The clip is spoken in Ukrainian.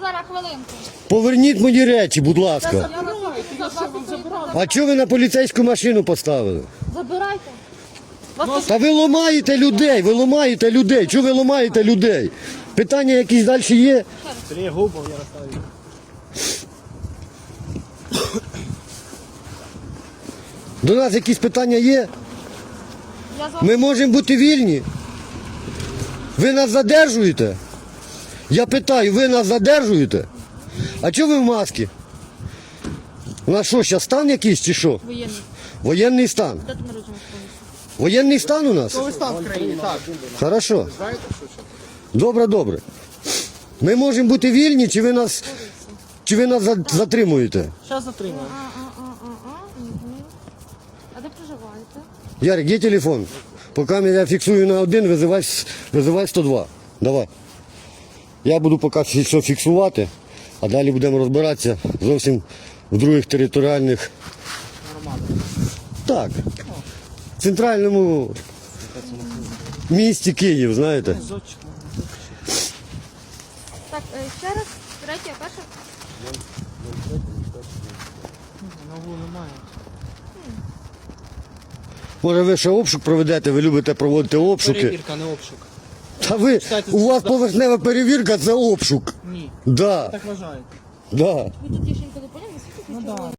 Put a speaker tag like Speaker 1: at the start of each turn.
Speaker 1: зараз хвилинку.
Speaker 2: Поверніть мої речі, будь ласка.
Speaker 1: Забирайте.
Speaker 2: А чого ви на поліцейську машину поставили?
Speaker 1: Забирайте.
Speaker 2: Та ви ламаєте людей. Чого ви ламаєте людей? Питання якісь далі є?
Speaker 3: Сергій Губов, Ярославі.
Speaker 2: До нас якісь питання є?
Speaker 1: Я з вами.
Speaker 2: Ми можемо бути вільні? Ви нас задержуєте? Я питаю, ви нас задержуєте? А чого ви в масці? У нас що, зараз стан якийсь чи що?
Speaker 1: Воєнний.
Speaker 2: Воєнний стан.
Speaker 1: Де ти народжений?
Speaker 2: Воєнний стан у нас?
Speaker 3: Стан в країні, так.
Speaker 2: Хорошо. Добре. Ми можемо бути вільні, чи ви нас затримуєте?
Speaker 3: Зараз затримуємо.
Speaker 1: А де проживаєте?
Speaker 2: Ярик, є телефон? Поки я фіксую на 1, визивай 102. Давай. Я буду поки все фіксувати, а далі будемо розбиратися зовсім в других територіальних. Так. В центральному місті Київ, знаєте.
Speaker 1: Так, ще раз, третє, перше.
Speaker 3: Нову немає.
Speaker 2: Може ви ще обшук проведете, ви любите проводити обшуки.
Speaker 3: Перевірка, не обшук.
Speaker 2: Та ви, у вас поверхнева перевірка, це обшук.
Speaker 3: Ні.
Speaker 2: Да,
Speaker 3: Так вважаєте.
Speaker 2: да.
Speaker 1: Ви тут тішенько не поняли?
Speaker 3: Ну так.